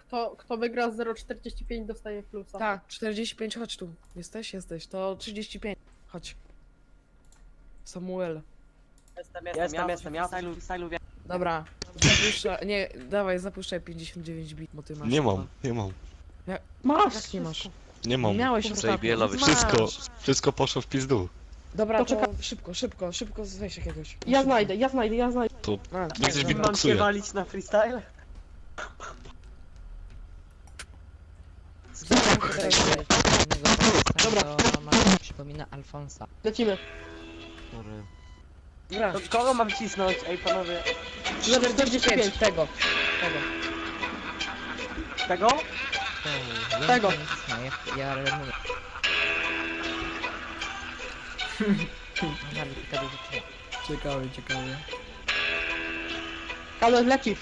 kto wygra z 0,45 dostaje plusa. Tak, 45, chodź tu. Jesteś, to 35. Chodź. Samuel. Jestem, ja freestylu wiem. Dobra, zapuszczaj, nie, dawaj, zapuszczaj 59 bit, bo ty masz. Nie chyba. mam, nie mam. Masz! Jak nie masz? Nie mam. Miałeś ostatnio. Zajbiela Masz. Wszystko poszło w pizdu. Dobra, To to czekaj. szybko, weź jakiegoś. Ja Szybko. znajdę. A, Niech dobra. coś Mam się beatboxuje. walić na freestyle? Dobra. Przypomina Alfonsa. Lecimy. Dobra, To kogo mam cisnąć? Ej panowie. 45, tego. Tego? Tego. Ja remuję. Ciekawe. Ale lecisz.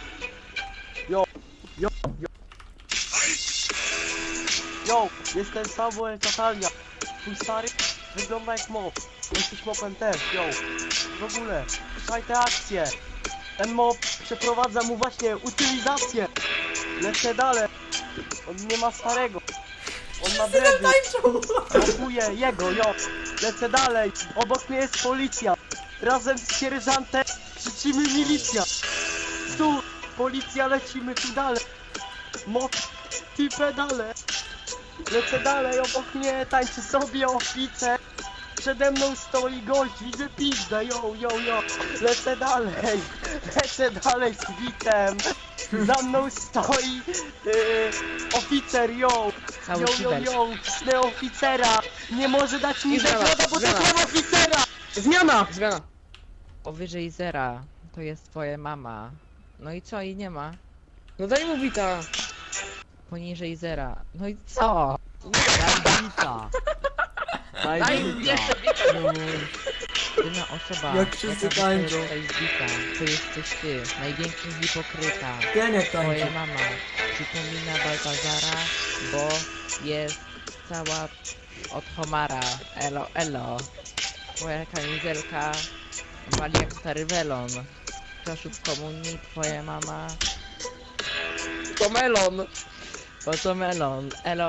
Yo, jestem Samuel Tatalia. Twój stary wygląda jak mop. Jesteś mopem też, yo. W ogóle, słuchaj te akcje. Ten mop przeprowadza mu właśnie utylizację. Lecę dalej. On nie ma starego. On ma dredy. Mokuję jego, yo. Lecę dalej. Obok mnie jest policja. Razem z sierżantem krzyczymy milicja. Tu, policja, lecimy tu dalej. Mop, ty pedale. Lecę dalej, obok mnie tańczy sobie oficer. Przede mną stoi gość, widzę pizdę, yo. Lecę dalej z bitem. Za mną stoi oficer, yo. Cały kibel. Cisnę oficera. Nie może dać mi Zmiana, zagroda, bo to zmiana. mam oficera. Zmiana. Powyżej zera to jest twoja mama. No i co? I nie ma. No daj mu bita. Poniżej zera. No i co? Daj bita. Daj mu bita. Jedyna osoba, Jak wszyscy jaka tańczą. wystaje z bita, to jesteś ty. Największy hipokryta. Pieniek Twoja tańczy. mama przypomina Baltazara, bo jest cała od homara. Elo. Twoja kamizelka wali jak stary welon. Czasów komunii twoja mama To melon. bo to melon. Elo.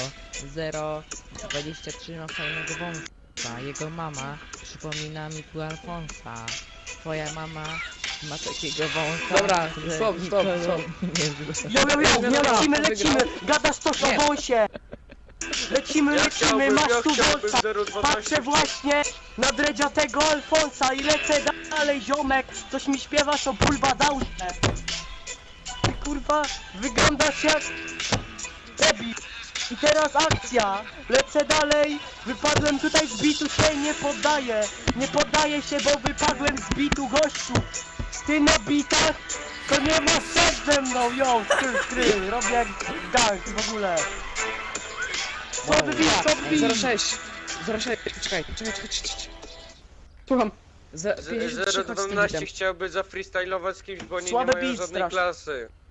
023 ma fajnego wąsa. Jego mama przypomina mi tu Alfonsa. Twoja mama ma takiego wąsa. Dobra, że stop. nikogo nie zna. Yo, lecimy. Gadasz to o wąsie. Lecimy, masz tu wąsa. Patrzę właśnie na dredziatego Alfonsa i lecę dalej, ziomek. Coś mi śpiewasz o pulbadałże. Ty kurwa, wyglądasz jak debil. I teraz akcja. Lecę dalej. Wypadłem tutaj z bitu, się nie poddaję. Nie poddaję się, bo wypadłem z bitu, gościu. Ty na bitach to nie ma serc ze mną, yo. Skry. Robię jak gang w ogóle. Co wy bij? 06. Czekaj. Słucham. 53 chodź z tym 012 bitem. chciałby zafreestylować z kimś, bo oni Słabe nie mają beat żadnej strasznie. klasy.